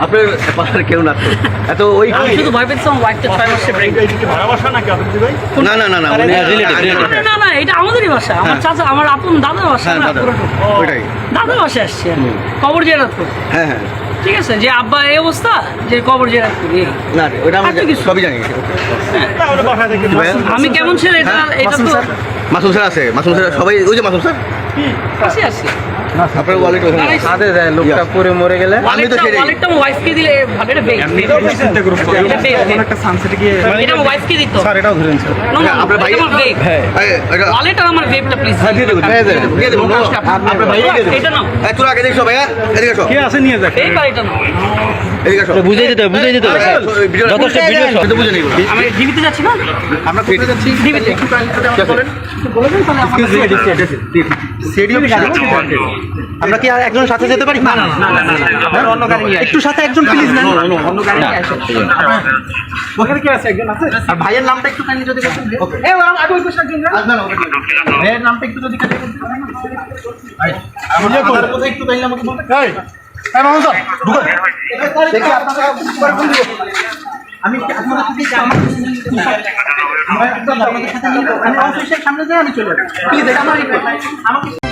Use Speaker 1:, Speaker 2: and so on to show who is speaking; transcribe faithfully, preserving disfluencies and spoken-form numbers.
Speaker 1: আপনার পাশার কেউ না এত ওই
Speaker 2: শুধু ভয় পেয়েছি আমার ওয়াইফটা ছয় মাসে প্রেগনেন্ট।
Speaker 3: ভাড়া বাসা নাকি আপনি ভাই?
Speaker 1: না না না না
Speaker 2: না না এটা আমাদেরই বাসা, আমার চাচা আমার আপন দাদার বাসা না
Speaker 1: ওইটাই
Speaker 2: দাদার বাসায় আসছি আমি কবর জিয়ারত করতে।
Speaker 1: হ্যাঁ হ্যাঁ
Speaker 2: ঠিক আছে যে আব্বা এই অবস্থা যে কবর জিয়ারত করি
Speaker 1: না ওইটা আমরা সবই জানি।
Speaker 3: তাহলে বাসা থেকে
Speaker 2: আমি কেমন ছেলে এটা এটা তো
Speaker 1: মাসুম স্যার আছে, মাসুম স্যার সবাই ওই যে মাসুম স্যার
Speaker 2: আসি আসি
Speaker 1: আপনার ওয়ালেট ওখানে
Speaker 4: হাতে দেয় লোকটা পরে মরে গেলে
Speaker 1: আমি তো সেটাই
Speaker 2: ওয়ালেটটা আমার ওয়াইফকে দিলে ভাবে এটা বেগ
Speaker 3: চিন্তা করুন
Speaker 2: এটা বেগ
Speaker 4: একটা সানসেটে গিয়ে
Speaker 2: এটা আমার ওয়াইফকে দিত
Speaker 3: স্যার এটাও ধরেন স্যার।
Speaker 2: না না
Speaker 1: আপনার ভাই-
Speaker 2: এটা আমার বেগ
Speaker 1: এটা
Speaker 2: ওয়ালেট আর আমার বেগটা প্লিজ
Speaker 1: হ্যাঁ দিয়ে দেবো দিয়ে দেবো দিয়ে দেবো আপনার ভাই
Speaker 2: এটা নাও
Speaker 1: এই তোরা আগে দেখো ভাইয়া এদিকে আসো
Speaker 3: কে আছে নিয়ে যাক।
Speaker 2: বেগ আর এটা নাও
Speaker 1: এদিকে আসো
Speaker 4: বুঝাই দিতে হবে বুঝাই দিতে হবে যথেষ্ট ভিডিও
Speaker 1: তো বুঝে নিব
Speaker 2: আমি ডিবিতে যাচ্ছি না
Speaker 1: আমরা কোথায় যাচ্ছি
Speaker 2: ডিবিতে
Speaker 4: আমরা কি আর একজন সাথে যেতে পারি না না না অন্য গাড়ি নিয়ে একটু সাথে একজন প্লিজ না অন্য গাড়ি নিয়ে আসো
Speaker 3: ওখানে কে আছে? একজন আছে?
Speaker 4: আর ভাইয়ের নামটা একটু কাইন্ডলি যদি বলতেন
Speaker 3: এ আগে ওই পাশে একজন না।
Speaker 4: ভাইয়ের নামটা একটু যদি কাইন্ডলি বলতেন ভাই আমার কোথায় একটু কাইন্ডলি আমাকে বলতে
Speaker 3: এই এই মামুন স্যার ঢুকুন।
Speaker 4: দেখি আপনারা পরে ফোন দিব আমি কি আপনাদের সাথে আমার আমরা একদম আপনাদের সাথে নিয়ে আমি অফিসের সামনে যাই আমি চলে যাই প্লিজ এটা আমার আমাকে